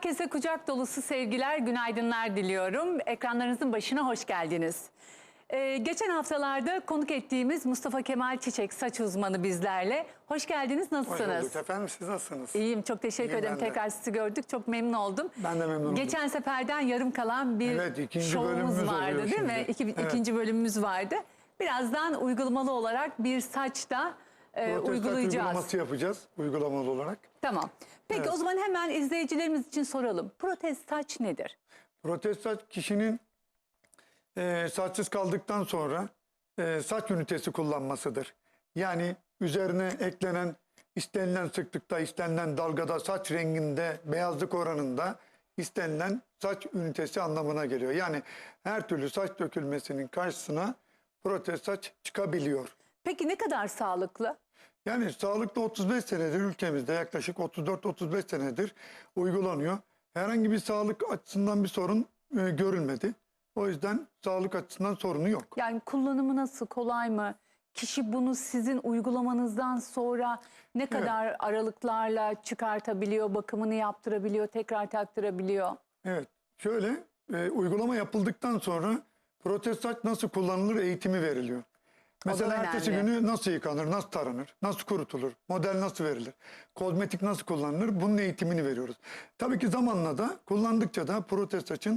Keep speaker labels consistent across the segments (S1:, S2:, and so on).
S1: Herkese kucak dolusu sevgiler, günaydınlar diliyorum. Ekranlarınızın başına hoş geldiniz. Geçen haftalarda konuk ettiğimiz Mustafa Kemal Çiçek, saç uzmanı bizlerle. Hoş geldiniz, nasılsınız?
S2: Hoş bulduk efendim, siz nasılsınız?
S1: İyiyim, çok teşekkür ederim.
S2: Ben de.
S1: Tekrar sizi gördük, çok memnun oldum.
S2: Ben de memnun oldum.
S1: Geçen seferden yarım kalan bir
S2: ikinci
S1: şovumuz
S2: bölümümüz
S1: vardı değil
S2: şimdi.
S1: mi?
S2: Evet.
S1: İkinci bölümümüz vardı. Birazdan uygulamalı olarak bir saçta uygulayacağız.
S2: Uygulaması yapacağız uygulamalı olarak.
S1: Tamam. Peki
S2: Evet.
S1: o zaman hemen izleyicilerimiz için soralım. Protez saç nedir?
S2: Protez saç kişinin saçsız kaldıktan sonra saç ünitesi kullanmasıdır. Yani üzerine eklenen istenilen sıklıkta, istenilen dalgada, saç renginde, beyazlık oranında istenilen saç ünitesi anlamına geliyor. Yani her türlü saç dökülmesinin karşısına protez saç çıkabiliyor.
S1: Peki ne kadar sağlıklı?
S2: Yani sağlıkta 35 senedir ülkemizde yaklaşık 34-35 senedir uygulanıyor. Herhangi bir sağlık açısından bir sorun görülmedi. O yüzden sağlık açısından sorunu yok.
S1: Yani kullanımı nasıl, kolay mı? Kişi bunu sizin uygulamanızdan sonra ne kadar aralıklarla çıkartabiliyor, bakımını yaptırabiliyor, tekrar taktırabiliyor?
S2: Evet, şöyle uygulama yapıldıktan sonra protez saç nasıl kullanılır eğitimi veriliyor. Mesela ertesi günü nasıl yıkanır, nasıl taranır, nasıl kurutulur, model nasıl verilir, kozmetik nasıl kullanılır, bunun eğitimini veriyoruz. Tabii ki zamanla da kullandıkça da protez saçın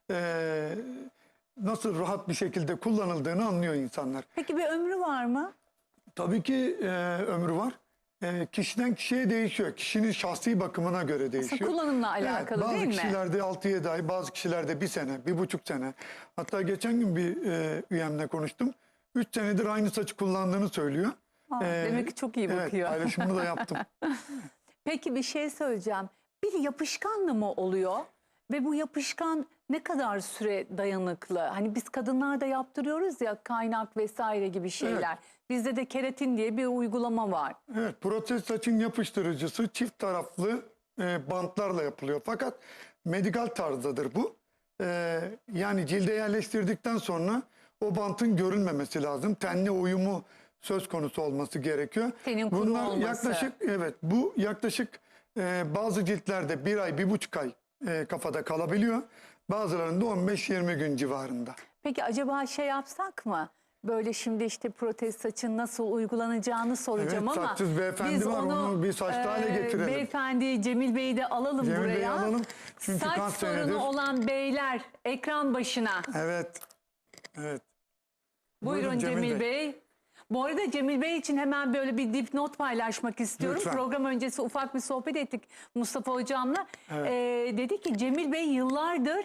S2: nasıl rahat bir şekilde kullanıldığını anlıyor insanlar.
S1: Peki bir ömrü var mı?
S2: Tabii ki ömrü var. Kişiden kişiye değişiyor. Kişinin şahsi bakımına göre değişiyor.
S1: Aslında kullanımla alakalı değil mi?
S2: Bazı kişilerde 6-7 ay, bazı kişilerde 1 sene, 1,5 sene. Hatta geçen gün bir üyemle konuştum. 3 senedir aynı saçı kullandığını söylüyor.
S1: Demek ki çok iyi bakıyor.
S2: Evet, paylaşımını da yaptım.
S1: Peki bir şey söyleyeceğim. Bir yapışkanlı mı oluyor? Ve bu yapışkan ne kadar süre dayanıklı? Hani biz kadınlar da yaptırıyoruz ya, kaynak vesaire gibi şeyler.
S2: Evet.
S1: Bizde de keratin diye bir uygulama var.
S2: Evet, protez saçın yapıştırıcısı çift taraflı bantlarla yapılıyor. Fakat medikal tarzdadır bu. Yani cilde yerleştirdikten sonra o bantın görülmemesi lazım. Tenle uyumu söz konusu olması gerekiyor.
S1: Tenin kuru
S2: Bunlar
S1: olması.
S2: yaklaşık bazı ciltlerde 1 ay, 1,5 ay kafada kalabiliyor. Bazılarında 15-20 gün civarında.
S1: Peki acaba şey yapsak mı? Böyle şimdi işte protez saçın nasıl uygulanacağını soracağım
S2: Evet,
S1: ama
S2: saçsız beyefendi
S1: biz
S2: var, onu bir saçlı hale getirelim.
S1: Beyefendi Cemil Bey'i de alalım
S2: Cemil
S1: buraya.
S2: Bey'i alalım. Çünkü
S1: Saç
S2: kaç
S1: sorunu
S2: senedir-
S1: olan beyler ekran başına.
S2: Evet. Evet.
S1: Buyurun Cemil Bey. Bu arada Cemil Bey için hemen böyle bir dipnot paylaşmak istiyorum.
S2: Lütfen.
S1: Program öncesi ufak bir sohbet ettik Mustafa Hocam'la.
S2: Evet.
S1: Dedi ki Cemil Bey yıllardır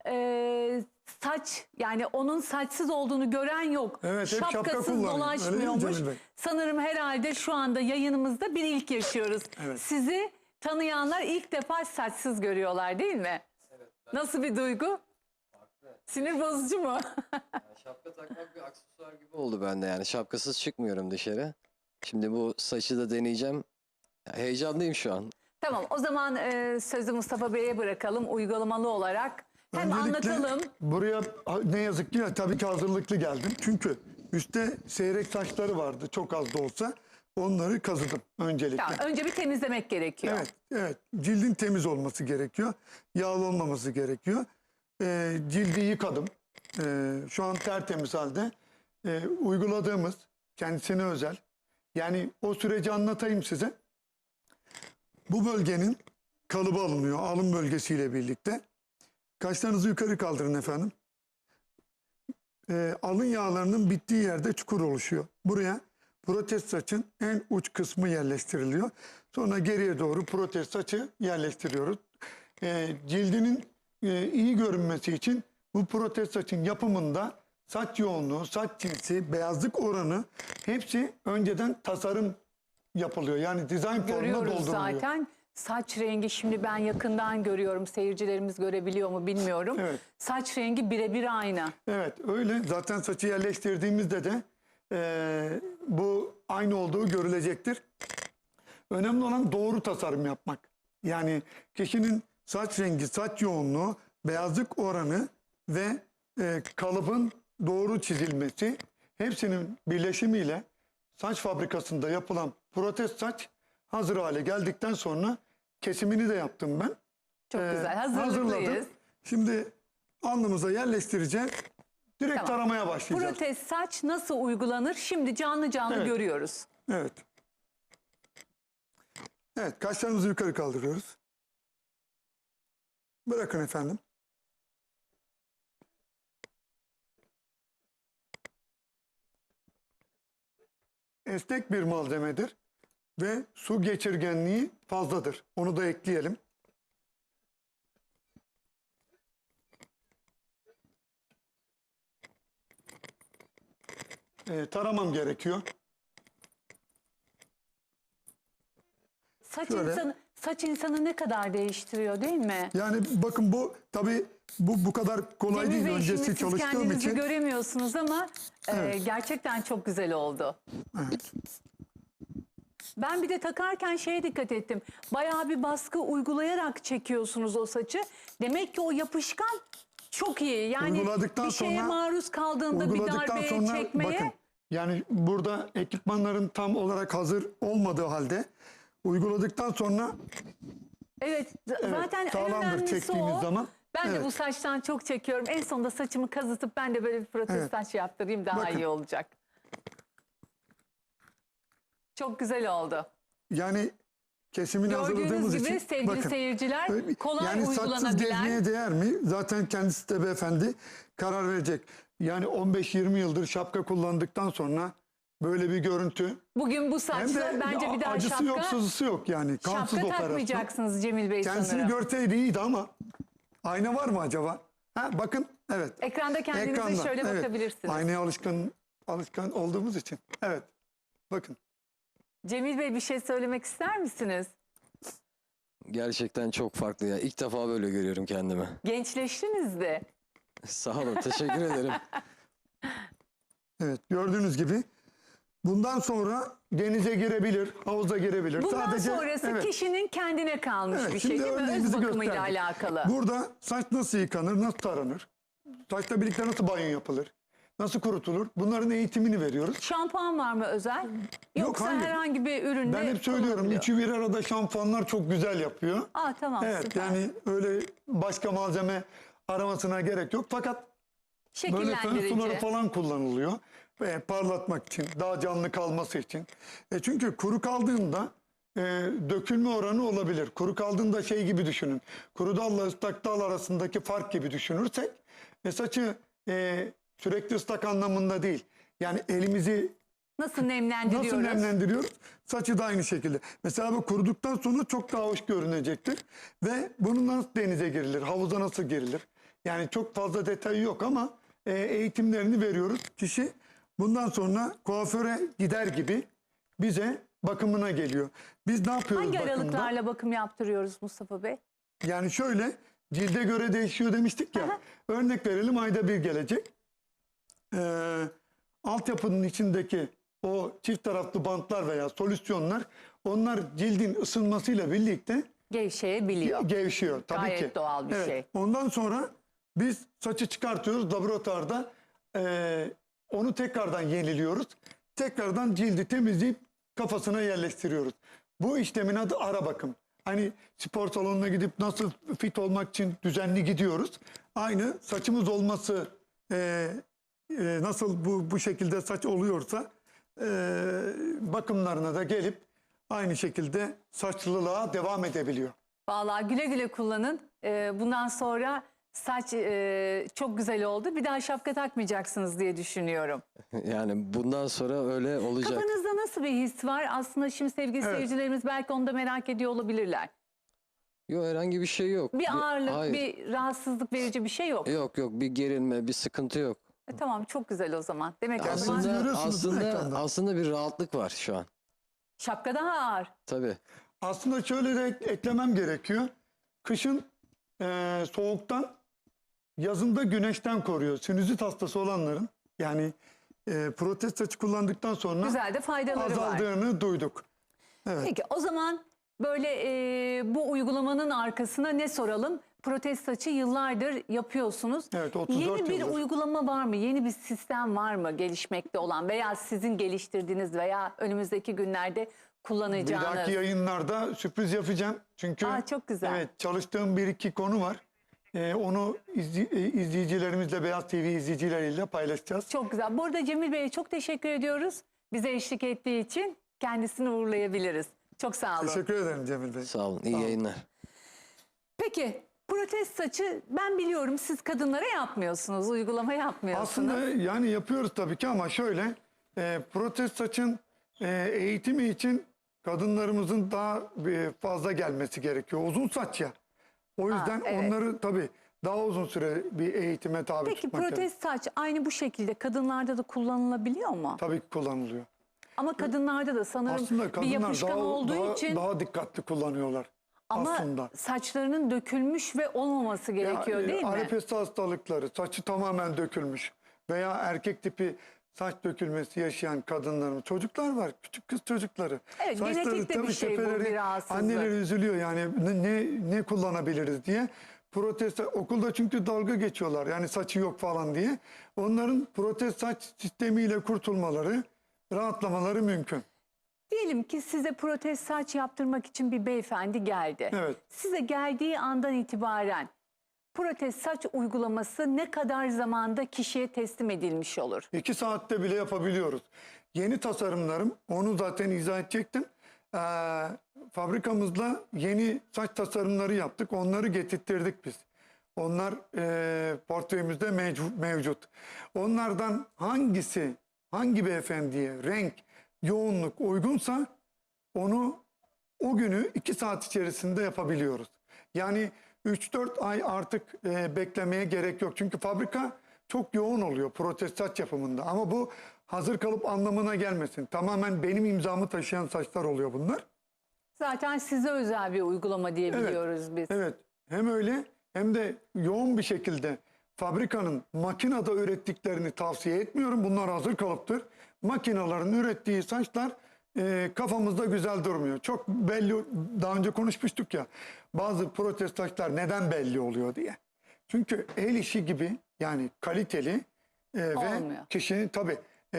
S1: saç, yani onun saçsız olduğunu gören yok.
S2: Evet, hep şapka
S1: Şapkasız
S2: kullanıyor.
S1: dolaşmıyormuş.
S2: Öyle değil mi Cemil Bey?
S1: Sanırım herhalde şu anda yayınımızda bir ilk yaşıyoruz.
S2: Evet.
S1: Sizi tanıyanlar ilk defa saçsız görüyorlar değil mi?
S3: Evet.
S1: Nasıl bir duygu? Sinir bozucu mu?
S3: Şapka takmak bir aksesuar gibi oldu bende yani. Şapkasız çıkmıyorum dışarı. Şimdi bu saçı da deneyeceğim. Ya, heyecanlıyım şu an.
S1: Tamam, o zaman sözü Mustafa Bey'e bırakalım uygulamalı olarak. Hem
S2: Öncelikle
S1: anlatalım.
S2: buraya ne yazık ki tabii ki hazırlıklı geldim. Çünkü üstte seyrek saçları vardı, çok az da olsa. Onları kazıdım öncelikle.
S1: Tamam, önce bir temizlemek gerekiyor.
S2: Evet, evet. Cildin temiz olması gerekiyor. Yağlı olmaması gerekiyor. Cildi yıkadım. Şu an tertemiz halde. Uyguladığımız kendisine özel. Yani o süreci anlatayım size. Bu bölgenin kalıbı alınıyor. Alın bölgesiyle birlikte. Kaşlarınızı yukarı kaldırın efendim. Alın yağlarının bittiği yerde çukur oluşuyor. Buraya protez saçın en uç kısmı yerleştiriliyor. Sonra geriye doğru protez saçı yerleştiriyoruz. Cildinin iyi görünmesi için bu protez saçın yapımında saç yoğunluğu, saç cinsi, beyazlık oranı hepsi önceden tasarım yapılıyor. Yani dizayn formuna
S1: Görüyoruz
S2: dolduruluyor.
S1: zaten. Saç rengi şimdi ben yakından görüyorum. Seyircilerimiz görebiliyor mu bilmiyorum.
S2: Evet.
S1: Saç rengi birebir aynı.
S2: Evet, öyle. Zaten saçı yerleştirdiğimizde de bu aynı olduğu görülecektir. Önemli olan doğru tasarım yapmak. Yani kişinin saç rengi, saç yoğunluğu, beyazlık oranı ve kalıbın doğru çizilmesi, hepsinin birleşimiyle saç fabrikasında yapılan protez saç hazır hale geldikten sonra kesimini de yaptım ben.
S1: Çok güzel.
S2: hazırladım.
S1: Hazırlıklıyız.
S2: Şimdi alnımıza yerleştireceğiz. Direkt
S1: Tamam.
S2: taramaya başlayacağız.
S1: Protez saç nasıl uygulanır? Şimdi canlı canlı
S2: Evet.
S1: görüyoruz.
S2: Evet. Evet, kaşlarımızı yukarı kaldırıyoruz. Bırakın efendim. Esnek bir malzemedir ve su geçirgenliği fazladır. Onu da ekleyelim. Taramam gerekiyor.
S1: Saç
S2: Şöyle.
S1: saç insanı ne kadar değiştiriyor değil mi?
S2: Yani bakın bu tabii bu kadar kolay
S1: Cemil
S2: değil.
S1: Bey, şimdi
S2: Öncesi
S1: siz
S2: çalıştığım
S1: kendinizi
S2: için.
S1: göremiyorsunuz ama
S2: Evet.
S1: gerçekten çok güzel oldu.
S2: Evet.
S1: Ben bir de takarken şeye dikkat ettim. Bayağı bir baskı uygulayarak çekiyorsunuz o saçı. Demek ki o yapışkan çok iyi. Yani
S2: Uyguladıktan
S1: bir şeye
S2: sonra-
S1: maruz kaldığında bir
S2: Uyguladıktan
S1: darbeye
S2: sonra
S1: çekmeye.
S2: bakın yani burada ekipmanların tam olarak hazır olmadığı halde uyguladıktan sonra
S1: Evet,
S2: evet,
S1: zaten en
S2: sağlamdır
S1: önemlisi
S2: çektiğimiz
S1: o.
S2: zaman.
S1: Ben de
S2: Evet.
S1: bu saçtan çok çekiyorum. En sonunda saçımı kazıtıp ben de böyle bir protez
S2: Evet.
S1: saç yaptırayım, daha
S2: Bakın.
S1: iyi olacak. Çok güzel oldu.
S2: Yani kesimini hazırladığımız
S1: Gördüğünüz gibi
S2: için
S1: sevgili
S2: bakın.
S1: seyirciler, kolay
S2: Yani saçsız
S1: uygulanabilen.
S2: gezmeye değer mi? Zaten kendisi de beyefendi karar verecek. Yani 15-20 yıldır şapka kullandıktan sonra böyle bir görüntü.
S1: Bugün bu
S2: Hem
S1: saçla
S2: de
S1: bence bir daha
S2: acısı yok,
S1: şapka,
S2: sızısı yok yani. Kansız
S1: şapka
S2: operasyon.
S1: takmayacaksınız Cemil Bey
S2: Kendisini
S1: sanırım.
S2: görseydi iyiydi ama ayna var mı acaba? Ha, bakın evet.
S1: Ekranda kendinize
S2: Ekranda,
S1: şöyle
S2: evet.
S1: bakabilirsiniz.
S2: Aynaya alışkan olduğumuz için. Evet. Bakın.
S1: Cemil Bey, bir şey söylemek ister misiniz?
S3: Gerçekten çok farklı ya. İlk defa böyle görüyorum kendimi.
S1: Gençleştiniz de.
S3: Sağ olun. Teşekkür ederim.
S2: Evet. Gördüğünüz gibi bundan sonra denize girebilir, havuza girebilir.
S1: Bundan sonrası
S2: evet.
S1: kişinin kendine kalmış
S2: Evet,
S1: bir şey
S2: şimdi
S1: değil mi? Öz
S2: örneğimizi
S1: bakımıyla
S2: gösterdik.
S1: alakalı.
S2: Burada saç nasıl yıkanır, nasıl taranır? Saçla birlikte nasıl banyo yapılır? Nasıl kurutulur? Bunların eğitimini veriyoruz.
S1: Şampuan var mı özel? Yoksa
S2: hayır.
S1: herhangi bir üründe
S2: Ben hep söylüyorum,
S1: kullanılıyor?
S2: üçü bir arada şampuanlar çok güzel yapıyor.
S1: Aa, tamam,
S2: Evet,
S1: süper.
S2: yani öyle başka malzeme aramasına gerek yok. Fakat böyle fön suları
S1: Şekillendirici.
S2: falan kullanılıyor. Ve parlatmak için, daha canlı kalması için. Çünkü kuru kaldığında dökülme oranı olabilir. Kuru kaldığında şey gibi düşünün. Kuru dalla ıslak dal arasındaki fark gibi düşünürsek saçı sürekli ıslak anlamında değil. Yani elimizi
S1: Nasıl nemlendiriyoruz?
S2: nasıl nemlendiriyoruz? Saçı da aynı şekilde. Mesela bu kuruduktan sonra çok daha hoş görünecektir. Ve bunun nasıl denize girilir, havuza nasıl girilir? Yani çok fazla detayı yok ama eğitimlerini veriyoruz. Kişi bundan sonra kuaföre gider gibi bize bakımına geliyor. Biz ne yapıyoruz
S1: Hangi
S2: bakımda?
S1: aralıklarla bakım yaptırıyoruz Mustafa Bey?
S2: Yani şöyle, cilde göre değişiyor demiştik ya.
S1: Aha.
S2: Örnek verelim, ayda bir gelecek. Altyapının içindeki o çift taraflı bantlar veya solüsyonlar, onlar cildin ısınmasıyla birlikte
S1: Gevşeyebiliyor.
S2: gevşiyor tabii
S1: Gayet
S2: ki.
S1: doğal bir
S2: Evet.
S1: şey.
S2: Ondan sonra biz saçı çıkartıyoruz laboratuvarda. Onu tekrardan yeniliyoruz. Tekrardan cildi temizleyip kafasına yerleştiriyoruz. Bu işlemin adı ara bakım. Hani spor salonuna gidip nasıl fit olmak için düzenli gidiyoruz. Aynı saçımız olması nasıl bu şekilde saç oluyorsa bakımlarına da gelip aynı şekilde saçlılığa devam edebiliyor.
S1: Vallahi güle güle kullanın. Bundan sonra saç çok güzel oldu. Bir daha şapka takmayacaksınız diye düşünüyorum.
S3: Yani bundan sonra öyle olacak.
S1: Kafanızda nasıl bir his var? Aslında şimdi sevgili
S2: Evet.
S1: seyircilerimiz belki onu da merak ediyor olabilirler.
S3: Yok, herhangi bir şey yok.
S1: Bir ağırlık,
S3: Hayır.
S1: bir rahatsızlık verici bir şey yok.
S3: Yok bir gerilme, bir sıkıntı yok.
S1: Tamam, çok güzel o zaman. Demek ki o
S2: Kendinizi
S1: zaman
S3: Aslında
S2: görüyorsunuz değil mi
S3: aslında
S2: ekranda?
S3: aslında bir rahatlık var şu an.
S1: şapka daha ağır.
S3: Tabii.
S2: Aslında şöyle de eklemem gerekiyor. Kışın soğuktan, yazında güneşten koruyor. Sinüzit hastası olanların, yani protez saçı kullandıktan sonra
S1: Güzel de faydaları var.
S2: azaldığını duyduk. Evet.
S1: Peki o zaman böyle bu uygulamanın arkasına ne soralım? Protez saçı yıllardır yapıyorsunuz.
S2: Evet, 34
S1: Yeni bir
S2: yıldır.
S1: uygulama var mı? Yeni bir sistem var mı gelişmekte olan veya sizin geliştirdiğiniz veya önümüzdeki günlerde
S2: Bir
S1: kullanacağınız.
S2: dahaki yayınlarda sürpriz yapacağım. Çünkü
S1: Çok güzel.
S2: evet, çalıştığım bir iki konu var. Onu izleyicilerimizle, Beyaz TV izleyicileriyle paylaşacağız.
S1: Çok güzel. Bu arada Cemil Bey'e çok teşekkür ediyoruz. Bize eşlik ettiği için kendisini uğurlayabiliriz. Çok sağ olun.
S2: Teşekkür ederim Cemil Bey.
S3: Sağ olun. İyi
S2: Sağ olun.
S3: yayınlar.
S1: Peki protez saçı ben biliyorum siz kadınlara yapmıyorsunuz. Uygulama yapmıyorsunuz.
S2: Aslında yani yapıyoruz tabii ki ama şöyle protez saçın eğitimi için kadınlarımızın daha fazla gelmesi gerekiyor. Uzun saç ya. O yüzden
S1: evet.
S2: onları tabii daha uzun süre bir eğitime tabi
S1: Peki
S2: tutmak gerekiyor.
S1: protez saç aynı bu şekilde kadınlarda da kullanılabiliyor mu?
S2: Tabii ki kullanılıyor.
S1: Ama kadınlarda da sanırım
S2: Aslında
S1: bir
S2: kadınlar
S1: yapışkan olduğu için
S2: daha dikkatli kullanıyorlar
S1: ama
S2: aslında.
S1: saçlarının dökülmüş ve olmaması gerekiyor değil mi?
S2: Alopecia hastalıkları, saçı tamamen dökülmüş veya erkek tipi saç dökülmesi yaşayan kadınların, çocuklar var, küçük kız çocukları.
S1: Evet, genetik de bir
S2: tabii
S1: şey bu,
S2: tepeleri,
S1: bir rahatsızlık.
S2: anneleri üzülüyor yani ne kullanabiliriz diye. Protez, okulda çünkü dalga geçiyorlar yani saçı yok falan diye. Onların protez saç sistemiyle kurtulmaları, rahatlamaları mümkün.
S1: Diyelim ki size protez saç yaptırmak için bir beyefendi geldi.
S2: Evet.
S1: Size geldiği andan itibaren protez saç uygulaması ne kadar zamanda kişiye teslim edilmiş olur?
S2: 2 saatte bile yapabiliyoruz. Yeni tasarımlarım, onu zaten izah edecektim. Fabrikamızda yeni saç tasarımları yaptık. Onları getirttirdik biz. Onlar portföyümüzde mevcut. Onlardan hangi beyefendiye renk, yoğunluk uygunsa onu o günü 2 saat içerisinde yapabiliyoruz. Yani 3-4 ay artık beklemeye gerek yok. Çünkü fabrika çok yoğun oluyor protez saç yapımında. Ama bu hazır kalıp anlamına gelmesin. Tamamen benim imzamı taşıyan saçlar oluyor bunlar.
S1: Zaten size özel bir uygulama diye biliyoruz biz.
S2: Evet. Hem öyle hem de yoğun bir şekilde fabrikanın makinede ürettiklerini tavsiye etmiyorum. Bunlar hazır kalıptır. Makinelerin ürettiği saçlar kafamızda güzel durmuyor. Çok belli, daha önce konuşmuştuk ya, bazı protez saçlar neden belli oluyor diye. Çünkü el işi gibi yani kaliteli ve
S1: Olmuyor.
S2: kişinin tabii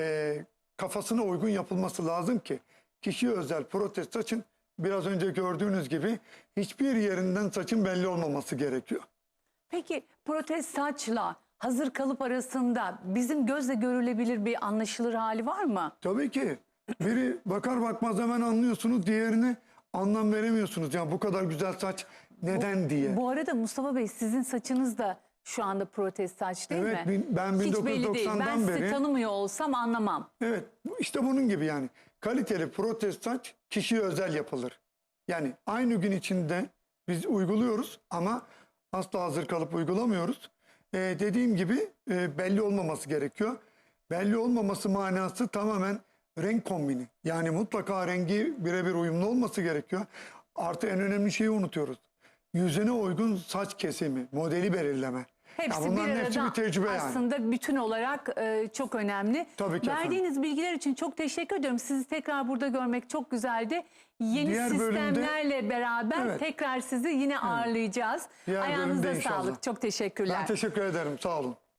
S2: kafasına uygun yapılması lazım ki kişiye özel protez saçın biraz önce gördüğünüz gibi hiçbir yerinden saçın belli olmaması gerekiyor.
S1: Peki protez saçla hazır kalıp arasında bizim gözle görülebilir bir anlaşılır hali var mı?
S2: Tabii ki. Biri bakar bakmaz hemen anlıyorsunuz, diğerini anlam veremiyorsunuz. Yani bu kadar güzel saç neden diye.
S1: Bu arada Mustafa Bey sizin saçınız da şu anda protez saç değil
S2: Evet,
S1: mi?
S2: ben
S1: Hiç belli değil. Ben
S2: 1990'dan
S1: sizi
S2: beri.
S1: tanımıyor olsam anlamam.
S2: Evet, işte bunun gibi yani. Kaliteli protez saç kişiye özel yapılır. Yani aynı gün içinde biz uyguluyoruz ama asla hazır kalıp uygulamıyoruz. Dediğim gibi belli olmaması gerekiyor. Belli olmaması manası tamamen renk kombini. Yani mutlaka rengi birebir uyumlu olması gerekiyor. Artı en önemli şeyi unutuyoruz. Yüzüne uygun saç kesimi, modeli belirleme.
S1: Hepsi
S2: Ya bunların
S1: bir
S2: hepsi
S1: arada
S2: bir tecrübe yani.
S1: aslında bütün olarak çok önemli.
S2: Tabii ki
S1: Verdiğiniz bilgiler için çok teşekkür ediyorum. Sizi tekrar burada görmek çok güzeldi. Yeni
S2: Diğer bölümde-
S1: sistemlerle beraber
S2: Evet.
S1: tekrar sizi yine ağırlayacağız.
S2: Diğer
S1: Ayağınıza
S2: bölümde inşallah.
S1: sağlık. Çok teşekkürler.
S2: Ben teşekkür ederim. Sağ olun.